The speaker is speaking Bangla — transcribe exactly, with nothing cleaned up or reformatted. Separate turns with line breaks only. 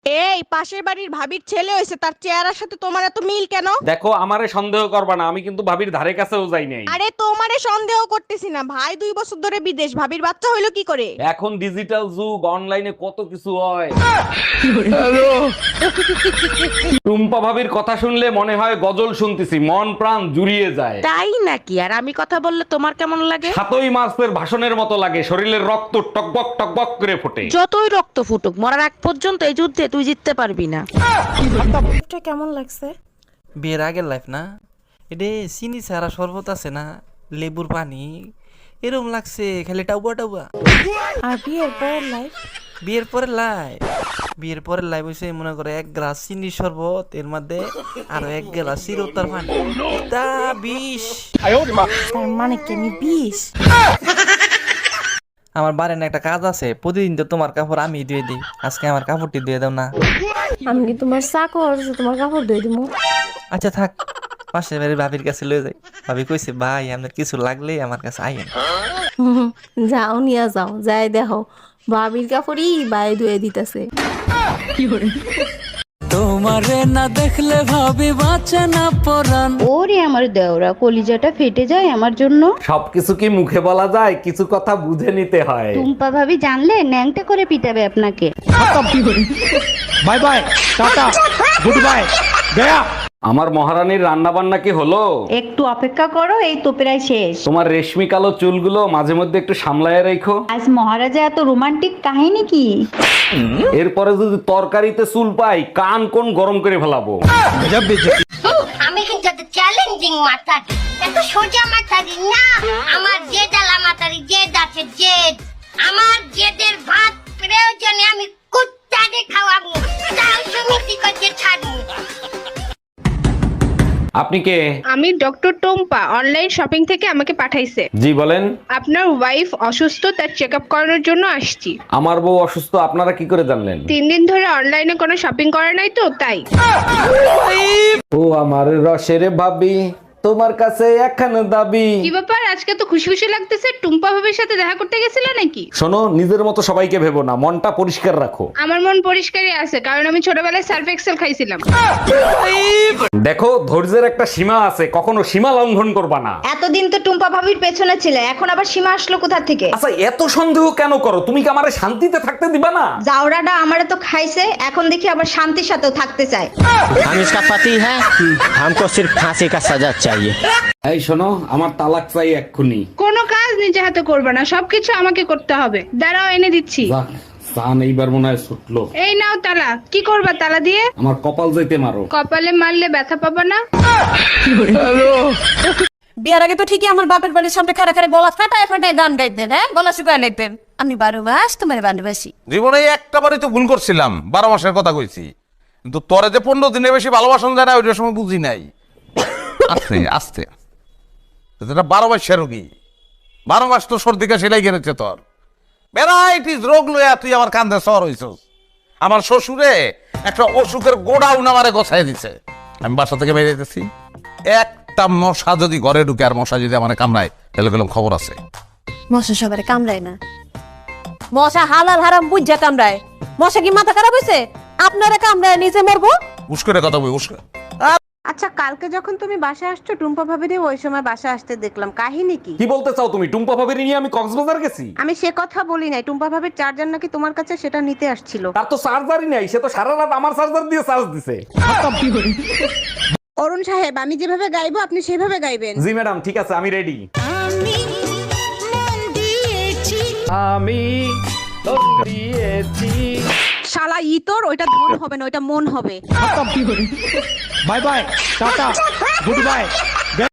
এই পাশের বাড়ির ভাবির ছেলে হইছে, তার চেহারার সাথে তোমার এত মিল কেন?
দেখো, আমারে সন্দেহ করবা না, আমি কিন্তু ভাবির ধারে কাছেও যাই নাই।
আরে তোমারে সন্দেহ করতেছি না, ভাই দুই বছর ধরে বিদেশ, ভাবির বাচ্চা হইলো কি করে?
এখন ডিজিটাল যুগ, অনলাইনে কত কিছু হয়। টুম্পা ভাবির কথা শুনলে মনে হয় গজল শুনতেছি, মন প্রাণ জুড়িয়ে যায়।
তাই নাকি? আর আমি কথা বললে তোমার কেমন লাগে?
সাতই মাসের ভাষণের মতো লাগে, শরীরের রক্ত টকবক টকবক করে ফোটে।
যতই রক্ত ফুটুক, মরার আগ পর্যন্ত এই যুদ্ধে তুই জিততে পারবি না।
কেমন লাগছে?
বিয়ের আগের লাইফ না, এটা চিনি ছাড়া শরবত আছে না, লেবুর পানি, এরকম লাগছে, খালি টাউবা টাউবা।
আর বিয়ের পরের লাইফ?
বিয়ের পরের লাইফ বিয়ের পরের লাইফ হয়েছে মনে করে এক গ্লাস চিনি শরবত, এর মধ্যে আরো এক গ্লাস চিরতার পানি, তা বিষ।
তার মানে কি আমি বিষ?
আমার বাড়ির না একটা কাজ আছে, প্রতিদিন তো তোমার কাপড় আমি ধুয়ে দিই, আজকে আমার কাপড়টি ধুয়ে দাও না।
আমি কি তোমার চাকর যে তোমার কাপড় ধুয়ে দিমু?
আচ্ছা থাক, পাশের বাড়ির ভাবির কাছে লয়ে যাই। ভাবি কইছে ভাই আপনার কিছু লাগলে আমার কাছে আইন।
যাও নিয়ে যাও, যাই দেখো ভাবির কাপড়ই বাই ধুয়ে দিতেছে।
তোমারে না দেখলে ভাবি বাঁচে না পরান।
ওরে আমার দেওরা, কলিজাটা ফেটে যায় আমার জন্য।
সবকিছু কি মুখে বলা যায়? কিছু কথা বুঝে নিতে হয়।
টুম্পা ভাবি জানলে ন্যাংটা করে পিটাবে আপনাকে।
Bye bye, tata, good bye, গয়া।
আমার মহারানীর রান্না বান্না কি হলো?
একটু অপেক্ষা করো, এই তো প্রায় শেষ।
তোমার রেশমি কালো চুলগুলো মাঝে মধ্যে একটু সামলায় রেখো।
আজ মহারাজা এত রোমান্টিক কাহিনী কি?
এরপরে যদি তরকারিতে চুল পাই, কান কোন গরম করে ফেলাবো।
আমি কিন্তু একটা চ্যালেঞ্জিং মাতারি, এত সোজা মাতারি না। আমার জেদ আলা মাতারি, জেদ আছে জেদ। আমার জেদের ভাত প্রয়োজনে আমি কুত্তাকে খাওয়াবো, তাও সমিতি করতে ছাড়বো।
আপনি কে?
আমি ডক্টর টোম্পা, অনলাইন শপিং থেকে আমাকে পাঠাইছে।
জি বলেন।
আপনার ওয়াইফ অসুস্থ, তার চেক আপ করানোর জন্য আসছি।
আমার বউ অসুস্থ, আপনারা কি করে জানলেন?
তিন দিন ধরে অনলাইনে কোনো শপিং করে নাই তো, তাই।
ও আমার রসের ভাবি, তোমার কাছে একখানা দাবি।
কি ব্যাপার, আজকে তো খুশি খুশি লাগতেছে? টুম্পা ভাবির সাথে দেখা করতে গেছিলে নাকি?
শোনো, নিজের মতো সবাইকে ভেবো না, মনটা পরিষ্কার রাখো।
আমার মন পরিষ্কারই আছে, কারণ আমি ছোটবেলায় সার্ফ এক্সেল খাইছিলাম।
দেখো, ধৈর্যের একটা সীমা আছে, কখনো সীমা লঙ্ঘন করবা না।
এতদিন তো টুম্পা ভাবির পেছনে ছিলে, এখন আবার সীমা আসলো কোথা থেকে?
আচ্ছা, এত সন্দেহ কেন করো? তুমি কি আমারে শান্তিতে থাকতে দিবা না?
জাউরাটা আমারে তো খাইছে, এখন দেখি আবার শান্তির সাথেও থাকতে চায়।
हम इसका पति है, हमको सिर्फ फांसी का सजा चाहिए।
এই শোনো, আমার তালাক চাই এক্ষুনি।
কোনো কাজ নিজে হাতে করবে না, সবকিছু আমাকে করতে হবে। দাঁড়াও, এনে দিচ্ছি।
যাক, সান এইবার মনে হয় ছুটলো।
এই নাও তালা। কি করবা তালা দিয়ে?
আমার কপাল যাইতে মারো।
কপালে মারলে ব্যথা পাবা না।
বিয়ার আগে তো ঠিকই আমার বাপের বাড়ির সামনে খাড়া খাড়া গলা ফাটায় ফাটায় গান গাইতেন, হ্যাঁ, গলা শুকায় নিতেন। আমি বারো মাস তোমার ভালোবাসি।
জীবনে একটা বারই তো ভুল করছিলাম, বারো মাসের কথা কইছি, কিন্তু তোরে যে পনেরো দিনের বেশি ভালোবাসন যায় না, ওইটার সময় বুঝি নাই। আস্তে আস্তে এটা বারো মাসের রোগী, বারো মাস তো সর্দি কাশি লেগে গেছে তোর, ভ্যারাইটিস রোগ লইয়া তুই আমার কান্দে সর হইছস। আমার শ্বশুরে একটা অসুখের গোডাউন আমারে গোছাই দিছে। আমি বাসা থেকে বেরিয়ে যেতেছি, একটা মশা যদি ঘরে ঢুকে আর মশা যদি আমার কামড়ায়, তাহলে গেলাম খবর আছে।
মশা সবারে কামড়ায় না, মশা হালাল হারাম বুঝা কামড়ায়। মশা কি মাথা খারাপ হয়েছে? আপনারা কামড়ায় নিজে মরবো।
উস্করে কথা বই, উস্করে।
আচ্ছা, কালকে যখন তুমি বাসায় আসছো, টুম্পা ভাবিরে ওই সময় বাসায় আসতে দেখলাম, কাহিনী কি?
কি বলতে চাও তুমি? টুম্পা ভাবির নিয়ে আমি কক্সবাজার গেছি?
আমি সে কথা বলি নাই, টুম্পা ভাবির চার্জার নাকি তোমার কাছে, সেটা নিতে আসছিল।
তার তো চার্জারই নাই, সে তো সারা রাত আমার চার্জার দিয়ে চার্জ দিছে।
অরুণ সাহেব, আমি যেভাবে গাইবো আপনি সেভাবে গাইবেন।
জি ম্যাডাম, ঠিক আছে, আমি রেডি। আমি মন দিয়েছি।
শালা ইতর, ওইটা ধন হবে না, ওইটা মন হবে।
Bye bye, tata, good bye.